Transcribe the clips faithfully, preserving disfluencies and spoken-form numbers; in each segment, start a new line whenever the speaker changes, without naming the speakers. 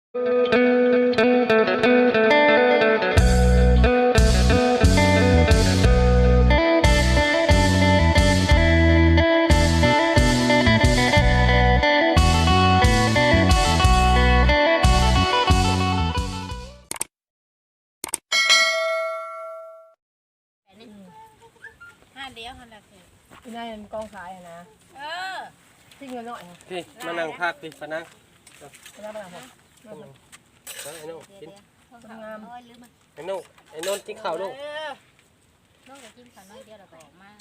ห้าเดียวหันละคือ
ที่นั่นกองขายนะ
เออ
ที่เงินหน่อย
พี่มานั่งพักพี่มานั่ง
ไปนั่งไปนั่งผม
นั่งไอ้โน่กิน
งาม
ไอ้โน่ไอ้โน่กินข้าวลูก
น้องจะกินข้าวน้อยเดียวเราก็ออกมา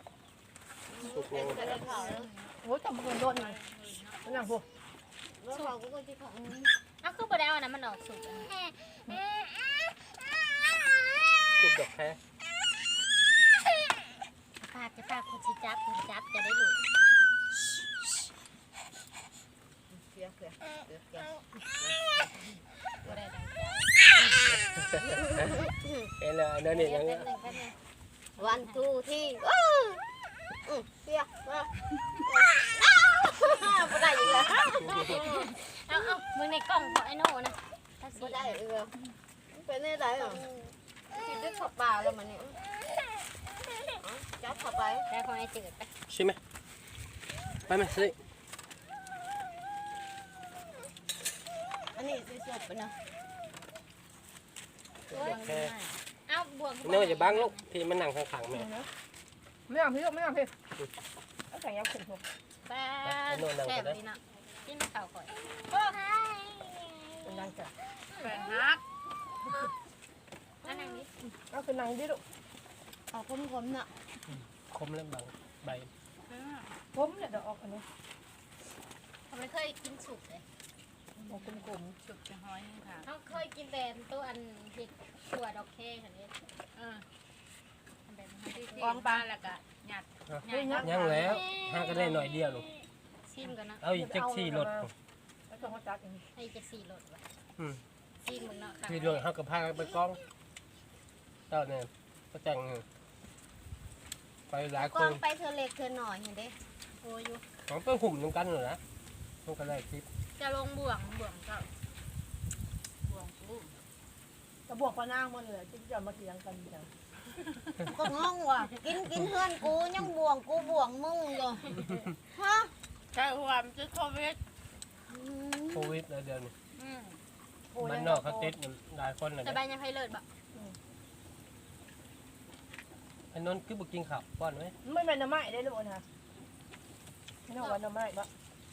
โอ้ยจับมือโดนหน่อยนั่งพวก
สุกก็กินของอ้าวคือประเดี๋ยวนะมันออกสุก
สุกดอกแค่
ปากจะปากคุณชิจับคุณจับจะได้หลุด
เสียเสียเสียเสีย
ก็ได้ดังใจ
เอ็นเลยนั่นนี่ยังไง
วันทูที่เสียมาไม่ได้อีกแล้วเอาเอามึงในกล้องของไอ้โน่นะไม่ได้อีกแล้วเป็นได้ไหมอ่ะกินด้วยข้าวเปล่าแล้วมันนี่จับเข้าไปแต่ของไอ้จืดไป
ใช่ไหมไปไหมสิ
อันนี้ซื้อสดไปนะแค่เอาบวก
เนื้ออย่าบังลูกพี่มันนั่งข้างๆแม่
ไม่เอาพี่ลูกไม่เอาพี่เอาแข่งยักษ์ขุ่นพวก
แป้แซ่บดีนะกินข้าวก่อนโอ้ย
เป็นนางจ้ะ
แป้ฮักอันนั้นนี่
เอาเป็นนางดิลูก
เอาคมๆเนาะ
คมเล่มบางใบ
ผมเนี่ยเดี๋ยวออกอันนี้
ทำไมเคยกินสุกเลย
ออกกลม
ๆสุกจะห้อยค่ะเขาเคยกินแต่ตัวอันเห็ดตัวดอกแค่ค่ะนี่เออกองปลาแล้วก็หยัด
ยังแล้วห้าก็ได้หน่อยเดียวลูก
ชิมกันนะ
เอาอีกแจ็คซี่รถ
แล้วก็เขาจัดเอง
ให้แจ็คซี่รถวะชิมมึงเนาะ
ซี่รถเขากับพาไปกองเจ้าเนี่ยก็จังไปหลายคน
ไปเธอเล็กเธอหน่อยเห็นดิโอ้ย
ของไปหุ่มตรงกันเลยนะตรงกันได้คลิป
จะลงบ่วงบ่วงเจ้าบ่วงกู
จะบวกปลานางมาเลยที่จะมาเกี่ยงกันจัง
ก็งงว่ะกินกินเพื่อนกูยังบ่วงกูบ่วงมึงอยู่ฮะใช่ความจะโควิด
โควิดแล้วเดือนนี้มันนอกเขาติดหลายคนเลย
จะไปยังให้เลิศบ่
ไอ้นนท์คือบุกินข้าวป้อนไหม
ไม่เป็นน้ำไม้ได้หรือเปล่านะไม่ต้องวันน้ำไม้ปะ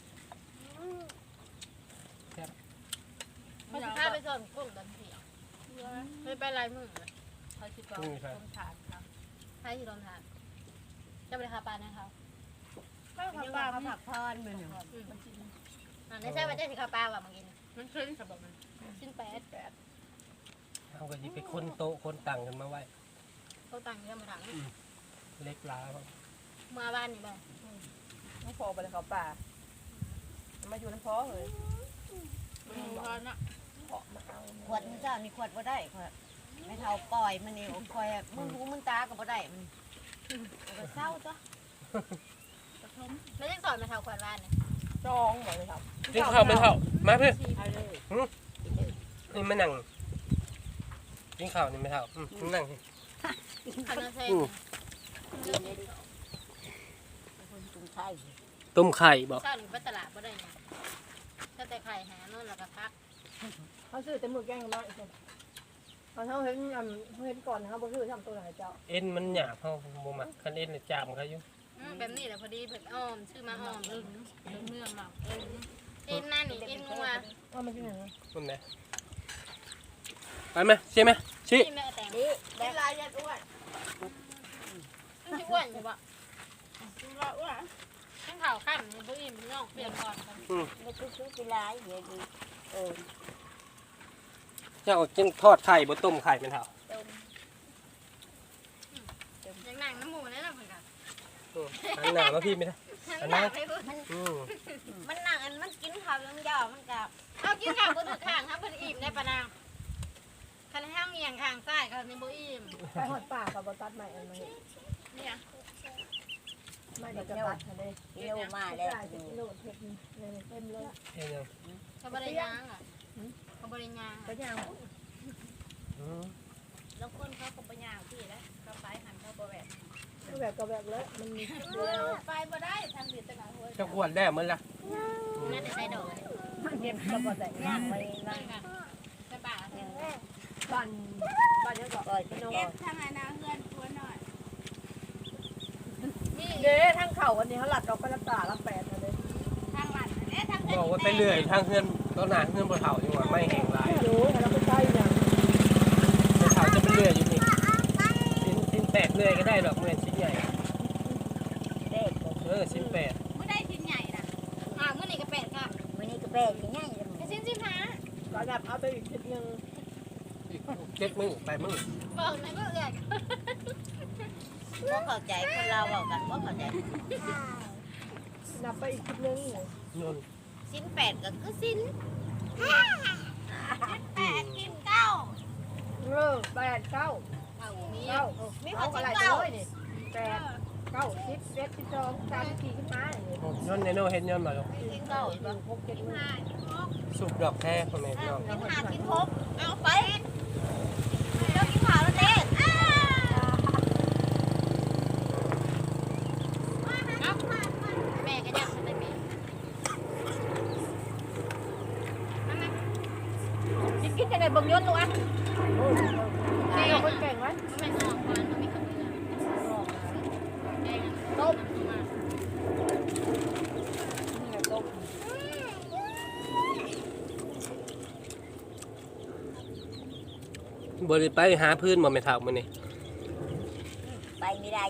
เขาจะพาไปส่งกุ้งดันเถียงไม่ไปลายมือเลยเขาชิดกองลมถาดครับให้ที่ลมถาดจะไปคาปลาเนี่ยเขาก็คาปลาเขาผักพอนเหมือนอ่าไม่ใช่ว่าจะสิคาปลาว่ะเมื่อกี้มันขึ้นสำหรับมันขึ้นแปดแปด
เอาก็ยิไปคนโตคนตังกันมาไว้
เขาตังเยอะมาถัง
เล็กล้า
มาบ้านนี่บ้าง
น้องพอไปเลยเขาป่ามาอยู่น้ำพอเลย
ขวดมึงเจ้านี่ขวดว่าได้ขวดไม่เท่าปล่อยมันนี่คอยมึงหูมึงตาก็บ่ได้มันก็เศร้าจ้ะไม่ได้สอนมาเท่าขวดบ้านเนี่ย
จองหมดเลยครับ
กินข้าวไม่เท่ามาเพื่อนนี่ไม่นั่งกินข้าวนี่ไม่เท่านั่งต้มไข่บอก
เช้าหรือไปตลาดบ่ได้เนี่ยถ้าแต่ไข่หาโน่นแล้วก็พัก
เขาซื้อแต่มือแกงมาอีกคนเขาเขาเห็นเห็นก่อนเขาบอกซื้อทำตัวไหนเจ้า
เอ็นมันหยาบเขาโมมักคันเอ็นเลยจามเขาอยู่
แบบนี้แหละพอดีเผ็ดอ้อมชื่อมาอ้อมเออเนื้อหมักเอ็นหน้านี่เอ็นงัว
ว่ามันชื่ออะไร
มันไหนไปไหมใช่ไหมชี้
แม่แต่งนี้ได้ลายยัดอ้วนอ้วนใช่ปะอ้วนทั้งข่าวข้ามมันก็อิ่มน้องเปลี่ยนก่อนกันไม่ชุบชุบกีฬาเยอะดีเออ
เจ้าจึงทอดไข่บนต้มไข่เป็นเท่า
ยังหนังน้ำหมูนี่แหละเหมือนกัน
อันหนามาพี่ไม่ได้อันนั้น
มันหนังอันมันกินข้าวยังยาวมันกับเอากินข้าวบนถือข้างครับบนอิ่มได้ปะนางคันห้ามเมียงข้างใต้คันในโบอิ่ม
ไปหอดป่ากับบตัดใหม่อันนี้
เนี่ย
ไม่เดี๋ยวจะตัดเลย
เร็วมาเลย
โหลดเทปเต็มเลย
เฮ้ย
เขาไม่ได้ย่างอ่ะริญญา
ไปย่าง
อืม
แล้วคนเขาก็ไปย่างที่แล้วเขาไปหันเขาบ่แบบ
ก็แบบก็แบบเลยมันมี
ไปบ่ได้ทางเดียวตะการหัว
จะขวดได้เหมือนละ
น่าจะใส่ดอก
มันเก็บกระบอกแต่ย่างไว้
นั่นค่ะใช่ป่ะ
บ้านบ้านเนี้ยก็
ก่อยพี่น้อง
เก็บทางอนาเพื่อนตัวหน่อยนี่
เด้ทั้งเข่าวันนี้เขาหลัดดอกกระลับตาลับแปดเลย
ทางหลังเอ๊ะทาง
บอกว่าไปเรื่อยทางเพื่อนต้นหนาเพื่อนบ่เฒ่าอยู่ว่าไม่แห้งหลาย
ไม่รู้แต่เราไม่ใช่อย่าง
บ่เฒ่าจะไปเรื่อยอยู่นี่ชิ้นชิ้นแปดเรื่อยก็ได้ดอกเมื่อชิ้นใหญ่
เด็ก
เออชิ้นแปด
มื้อได้ชิ้นใหญ่นะอ่ามื้อนี้ก็แปดค่ะ
มื้อนี้ก็แป้งง่ายๆเลย
ก็ชิ้นสิบห้า
ก็แบบเอาไปอีกชุดหนึ่ง
อีกเจ็ดมื้อแปดมื้อ
บอกในเมื่อเอื้อก
บ่เข้าใจคนเราเว้ากันบ่เข้าใจ
นับไปอีกชุดหนึ่ง
นู่น
สิ้นแปดก็คือสิ้น
แปดกินเก้า
เออแปดเก้า
เอามี
เก้ามีของอะไรเลยนี่แปดเก้าสิบเจ็ดสิบสองสามสิบสี่ขึ้นมาอย่างนี้
ย้อนในโน่เห็นย้อนมาแล้ว
สิ้นเก้า
หนึ่งหกเจ็ดหนึ่ง
ห้าหก
สุกดอกแท้พ่อแม่พี่น้อง
กินห้ากินหกเอาไปแล้วกินข้าวแล้วเด็กอ้าแม่ก็ยังไม่ได้แม่
กินกินยังไงเบิ่งยนต์ลูกอ่ะเก่งคนเก่งไหม
ไม่ออกก่อนไม่ขับเรือแดง
ต้ม
มา
นี่ไงต้ม
บ่ได้ไปหาพื้นบ่แม่เฒ่ามื้อนี้
ไปไม่ได้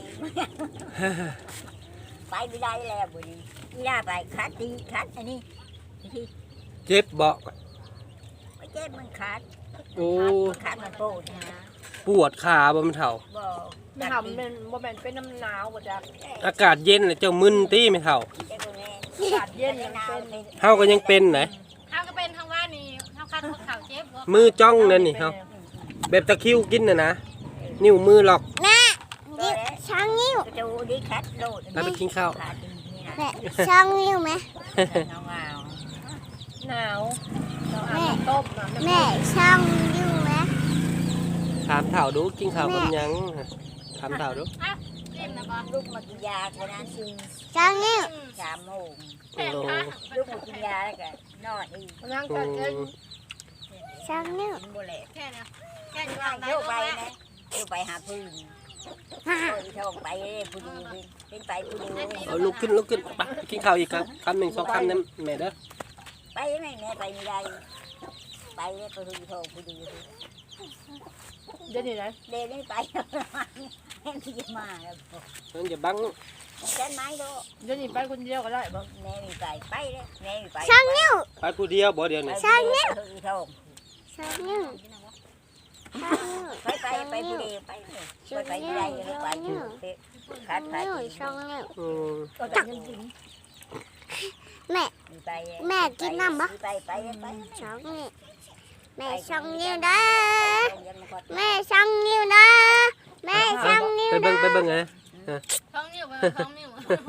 ไปไม่ได้แล้วมื้อนี้ย่าไปขาดดีขาดอันนี้ที่
เจ็บบ่
ไปเจ็บมันขาด
โอ้
ขาดมันโปดนะ
ปวดขาบ่แม่เฒ่า
บ่
ไม่ทำเป็นโมเมนต์เป็นน้ำหนาวหมดจ้ะ
อากาศเย็นน่ะเจ้ามึนติแม่เฒ่า
เจ้าแม่
อากาศเย็นยังเป็น
เฮาก็ยังเป็นนะ
เขาก็เป็นทางว่านี่เขาคัดพวกเขาเจ็บ
มือจ้องนั่นนี่เฮาแบบตะคริวกินน่ะนะนิ้วมือหลอก
ช้างนิ้วดูดิขาดโลด
แล้วไปกินข้าว
ขาดนี่นะ
แม่ช่องนิ้วไหม
เงาเงา
หนาวเราอาบน้ำต้มน้ำ
แม่ช่องนิ้วไหม
ถามเฒ่าดูกินข้าวกับหยังถามเฒ่าดู
อ่ะจิ้มนะบอ
ลูกมากินยาเท่านั้นซึ่ง
ช่องนิ้ว
สามโมง
แผ่นค่ะ
ลูกมากินยาแล้วก็นอนอีก
นั่ง
อื
กันเอง
ม
ช่องนิ้ว
กินบ่แหลก
แค่นี้แค่นี้
ว่า
ได้
เที่ยว
ไป
ไปนะเที่ยวไปหาพื้นโอ้ยท่องไปผู้ดีเป็นไปผู้ดี
เอาลุกขึ้นลุกขึ้นไปกินข้าวอีกครับคำหนึ่งสองคำนั้นแม่เด้อ
ไปไหนแม่ไปไม่ได้ไปเลยไปผู้ดีท่องผู้ดี
เดี๋ยวนี้นะ
เดี๋ยวนี้ไปแม่ที่จะมาแล้ว
นั่นอย่าบัง
เต้นไม้ดู
เดี๋ยวนี้ไปคนเดียวก็ได้บ่
แม่มีไปไปเลยแม่มีไป
ช่องนิ้ว
ไปผู้เดียวบ่เดียวนี่
ใช่เนี่ยผู้ดีท่อง
ช่องนิ้วช่องนิ้ว
ไปไปไปผู้ดีไปเลยไปไปไม่ได้ยังไปอยู่ขาด
ช่อง
ขาด
นิ้วช่องนิ้ว
อืม
ก็จะยังกิน
แม่
ไป
แม่กินน้ำปะ
ไปไปไป
ช่องนิ้วแม่ช่องนิ้วเด้อแม่ช่องนิ้วเด้อแม่ช่องนิ้ว
ไปเบิ่งไปเบิ่งไง
ท้องนิ้วท้องนิ้ว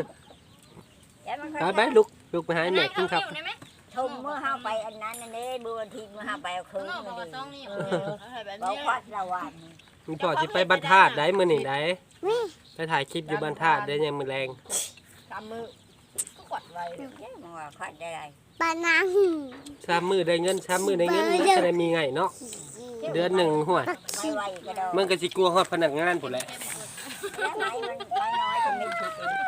ไปไปลุกลุกไปหาแม่กินข้าว
ได้ไหม
ชมเมื่อห้าไปอันนั้นอันนี้บัวทีเมื่อห้าไปเอาคื
ข้าง
น
นอกบอกว่าท้อง
นี่
นิ้วแบบ
บอก
นี้
วัดละวัน
มึงพ่อสิไปบ้านธาตุได้มื้อนี้ได้
นี่
ไปถ่ายคลิปอยู่บ้านธาตุได้ยังมื้อแรง
ตามมือก็กดไว้
เอ๊ะมึงว่าคัดได้ไร
ปานัง
สามมื้อได้เงินสามมื้อได้เงินมันจะได้มีไงเนาะเดือนหนึ่งหัว
ไม่ไหวก็ได้
มันก็สิกลัวฮอดพนักงานพุ่นแหละ
แล้วไหนมันน้อยน้อยจะไม่ถูกเอง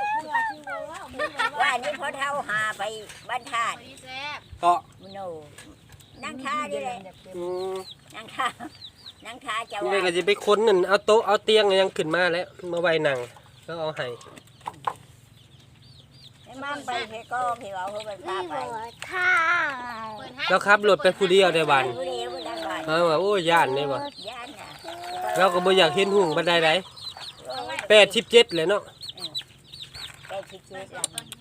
ว่านี่พอเท่าหาไปบ้านธาตุ
ดีแซ่บ
เกาะ
มโนนั่งท่าดิเลย
อืม
นั่งท่านั่งท่าจะ
นี่
ว่า
ก็สิไปค้นนั่นเอาโต๊ะเอาเตียงยังขึ้นมาแล้วมาไว้นั่งแล้วเอาให้
มั่งไปเพก็เพเอาเขาไปพา
นี่
ไป
หัวท่า
แล้วขับรถไปผู้เดียวได้บัด
ผู้เดียวผู้ได้บ้าน
เออว่าโอ้ยย่านได้บ่
ย่านน่ะ
เราก็บ่อยากเห็นหุ่งบันไดใดแปดสิบเจ็ดเลยเนาะ
ไปชิดชิด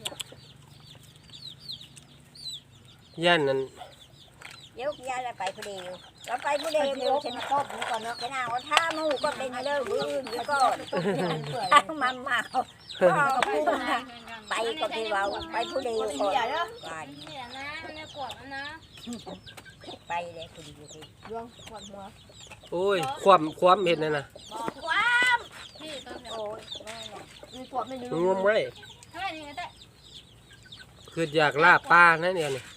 ย่านนั้น
ยกย่านแล้วไปผู้เดียวเราไปผู้เดียวเดียวฉันก็ผมก่อนเนาะจะน่าว่าท่ามูก็เป็นเลิกบื้นอยู่ก่อนท่ามันมาก็พูดนะไปก็พี่เราไปผู้เดียวก่อน
นี่นะเนี่ยกวดนะ
ไปเลยคุณอยู่ที่
ดวงหวานหัว
โอ้ยความความเห็นนั่นน่ะ
บอกความพี่ต้น
โอ้ยแม่น่ะ
มีขวบไม่รู้
งมไว้
เท่าไหร่นี่แต่
คืออยากลาบปลานั่นเดียวนี่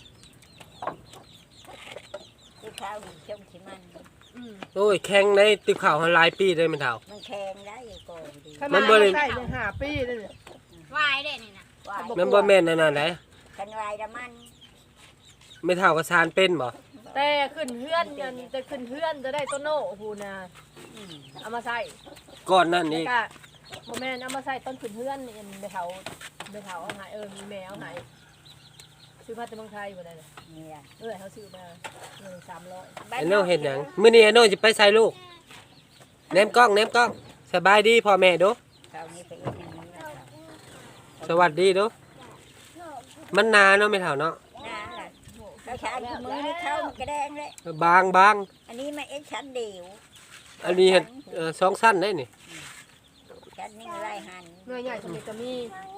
ที่ข้าวดีช่องที่มัน
อืม
โอ้ยแข็งในติบข่าวหลายปีได้มันเท่า
มันแข็งได้ก่อนดี
ข
มั
นาด
นบ่ได้
ใส่เนี่ยห้าปีเลยเนี่ยว
ายได้นี่นะ
วาย
มันบ่แม่นนั่นน่ะไหน
คันวายละมัน
ไม่เท่ากับซานเป็นบ่
แต่ขึ้นเฮือนยันจะขึ้นเฮือนจะได้ต้นโน่พูนะ
อืม
เอามาใส่
ก่อนนั่น
แล้ว
นี่
ก็โมแม่นเอามาใส่ต้นขึ้นเฮือนนี่ไปเถาไปเถาเอาหายเออมีแมวหายซื้อมาจากเมืองไทยบ่ได้เลย
เนี่ย
เออเขาซื้อมาเงินสามร้อย
ไอ้โน่เห็นหยังมื้อนี้ไอ้โน่สิไปใส่ลูกแนมกล้องแนมกล้องสบายดีพ่อแม่เดู
คราวนี้ไปเอ็ดอย่างนี้นะครับ
สวัสดีเดูมันนานเนาะไม่เท่าเนาะ
น่าล่ะเขาชาญมือนี่เข้ามันกระแดงเลย
บางบาง
อันนี้มาเอ็ดชั้นเดียว
อันนี้เห็ดเอ่อสองสั้นได้นี่
ชั้นนี้ไรหัน
เมื่อใหญ่สมัยก็มี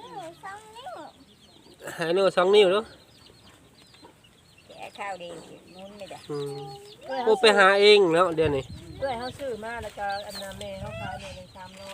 ให้โน่สองนิ้วเดู
แกะข้าวเดียวมุนไม่ได้
อืม
เพื่อ
โอ้ไปหาเองแล้วเดี๋ยวนี้
เพื่อเขาซื้อมาแล้วก็อันนาแม่เขาขายเนี่ยเป็นสามร้อย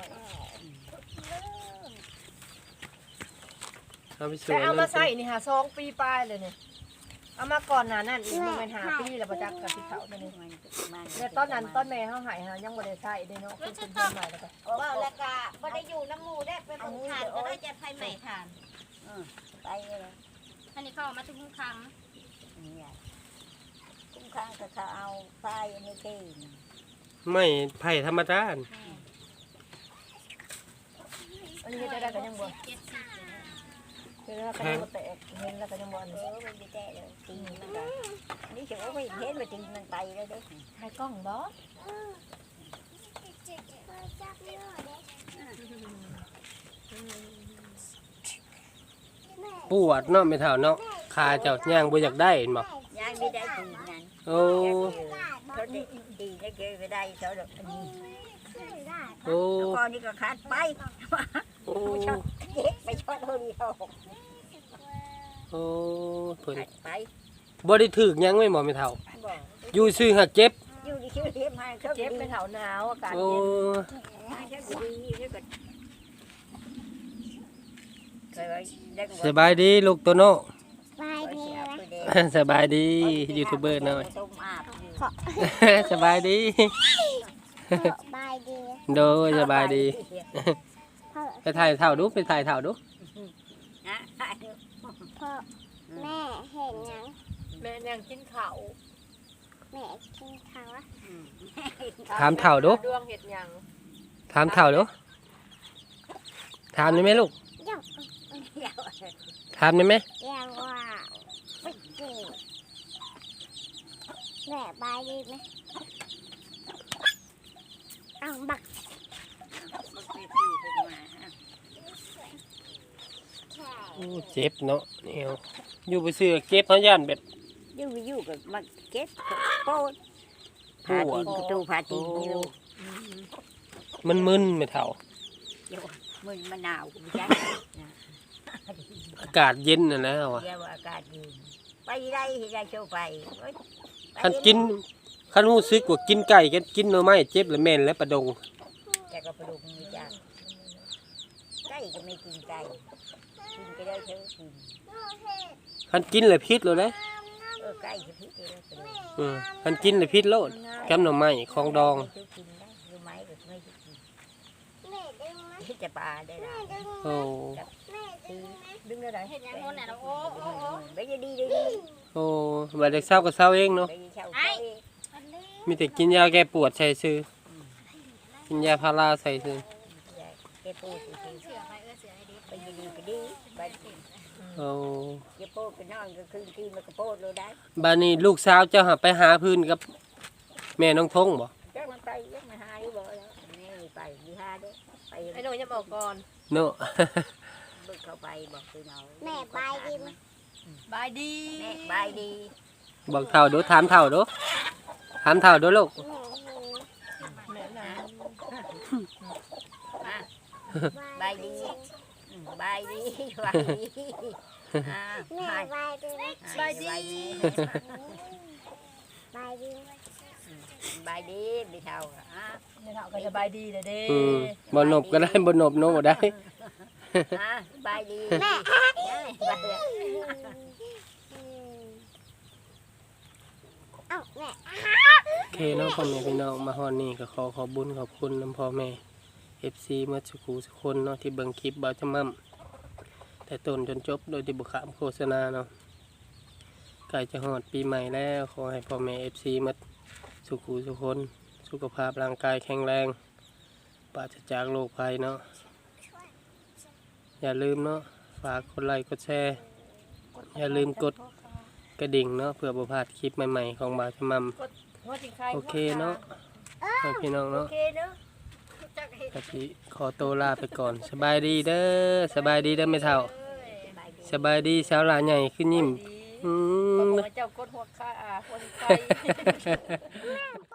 เอาไปสว
แต่
ย
เอา
เล
มาย ใส่นี่หาสองปีปลายเลยเนี่ยเอามาก่อนหน้านั้นอีกมันเป็นหาปีแล้วประจักษ์กับที่เขาเนี่ย
มันมัน
เนี่ยต้นนั้นต้นแม่เขาหายหายังบ่ได้ใส่เด้เนาะเป็นเป็นต้นใหม่แล้วก็
ว่าแล้วก็บ่ได้อยู่น้ำมูได้ไปเบิ่งทานก็ได้จะไฟใหม่ทาน
ไปเลย
อันนี้เข้ามาทุกครั้ง
เนี่ยคุ้มข้างกับเขาเอาไฟอันนี้ที่
ไม่ไผ่ธรรมดา
อันนี้จะได้กันยังบ่
เจ็ดสิบ
เห็นแล้วก็ยังบ่แตกเห็นแล้วก็ยังบ่อัน
เอ
นี้
อมันจะแตะเลยตีมันก็นี่จะว่าไม่เห็นว่าตีมันไปแล้วเด้อ
ถ่ายกล้องบ่
ปวดเนาะไม่เท่าเนาะขาเจ้าย่างบ่อยากได้เห็นบ่
ยายไม่ได้ตีนั้น
โอ้
เขาได้ตีได้เกยไปได้เขาดอกอันนี้
โอ้
แล้วก็นี่ก็ขาดไป
โอ้
เจ๊ไปชดเท่านี้เขา
โอ้เพิ่น
ขาดไป
บ่ได้ถึกหยังไม่หมอไม่เท่า
บอก
อยู่ซื่อหักเจ็บ
อยู่ที่ชื่อเทียมให้เขา
เจ็บเป็นเถาหนาวอากาศ
โอ้
เย็น
ให้เขาดีแล้วก็เคยไว้ได้ก็
สบายดีลูกโตโน่
บายดี
เสีย
ไหม
ไปเด้
สบายดียูทูบเบอร์หน่อย
ต้มอาบอยู่
สบายดี
บายดี
โดยสบายดี
พ่อ
ไปถ่ายเท่าดูไปถ่ายเท่าดู
นะ
พ่อแม่เห็นยัง
แม่ยังกินข้าว
แม่กินข้าวอะ
ถามเท่าดู
ดวงเห็ดยัง
ถามเท่าดูถามได้ไหมลูก
ยัง
ถามได้ไหม
ยังว่าไม่เก่งแม่บายดีไหมเอาบักแค่
โอ้เจ็บเนาะเนี่ยวอยู่ไปซื้อเจ็บเขาย่านแบบ
อยู่อยู่กับมาเก็บโป๊ดพาตีนประตูพาตีนนี่ลูก
มันมึนไม่เท่า
เดี๋ยวมึนมะนาวกูจ้า
อากาศเย็นน่ะนะว่ะ
เดี๋ยวอากาศเย็นไปได้ที่ได้โชว์ไปเอ้ยไป
คันกินคันรู้สึกว่ากินไก่กันกินหน่อไม้เจ็บแล้วแม่นแล้วประดง
แต่ก็ปลุกมือจ้าไก่ก็ไม่กินไก่กินก็ได้เท่ากิน
คันกินแล้วพิษเลยนะ
เออไก่จะพิษเลยปลุก
อืมคันกินแล้วพิษโลดแกมหน่อไม้ของดอง
ไม่ซื้อกินได้รู้ไหมก็ไม่ซื้อกิน
แม่ดึงไหม
ที่จะปลาได้ละ
แม่ดึง
โอ้
แม่ดึงไหม
ดึงได้ไหน
เห็นอย่างโน้นน่ะโอ้โอ้โอ้
ไปจะดีดีดี
โอ้บัดเด็กเศร้าก็เศร้าเองเนาะ
ไปเช่าเช่าเอง
อันนี้
มีแต่กินยาแก้ปวดใส่ซื้อกินยาพาราใส่ซื้อ
เก็บปูสิ
เสือไปเออเสือไอ้ดิ
ไปจะดีไปดีไป
โอ้
เก็บปูไปนอนก็คืนคืนมันก็โปูเลยได้
บานี้ลูกสาวเจ้าหาไปหาพื้นกับ แม่น้องทงบ่
แจ้งมันไปยังมาหาอยู่บ่แล้วแม่ไปมีหาเด้ไป
ไอ้หนูจะบอกก่อน
เนาะ
บึกเข้าไปบอกคือเอา
แม่บายดีไหม
บายดี
แม่บายดี
บอกเท่าดูถามเท่าดูถามเท่าดูลูก
แม่เห็นไหม
แม่นะ
บายดีบายดีบายดีอ่า
แม่บายดีไหม
บายดี
บดีไหม
สบายดีพี่เฒ่าอ่ะ
แม่เฒ่าก็สบายดีเลยเด้
อืมบ่นบก็ได้บ่นบโนบ่ได้
อ่ะสบายดี
แม่
สบายดี
เอ้าแม่
โอเคเนาะพ่อแม่พี่น้องมาฮอดนี่ก็ขอขอบคุญขอบคุณนํพ่อแม่ เอฟ ซี เมื่อสักครู่สักคนเนาะที่เบิ่งคลิปบ่าวจำมั่มแต่ต้นจนจบโดยที่บ่ขามโฆษณาเนาะใกล้จะฮอดปีใหม่แล้วขอให้พ่อแม่ เอฟ ซี มาสุขูสุขคนสุขภาพร่างกายแข็งแรงปราศจากโรคภัยเนาะอย่าลืมเนาะฝากกดไลค์กดแชร์อย่าลืมกดกระดิ่งเนาะเพื่อบ่พลาดคลิปใหม่ๆของบ่าวจำมั่ม
หัวจิงไข่
โอเคเนาะให้พี่น้อง
โอ
เนาะ
เคเนาะ
กะทิขอตัวลาไปก่อนสบายดีเด้อสบายดีเด้อไม่เท่าสบายดีสาวหลาใหญ่ขึ้นยิ้ม
ดี
อื
บอก
ม
ว่าเจ้ากดหัวขาอ่าหัวจิงไข่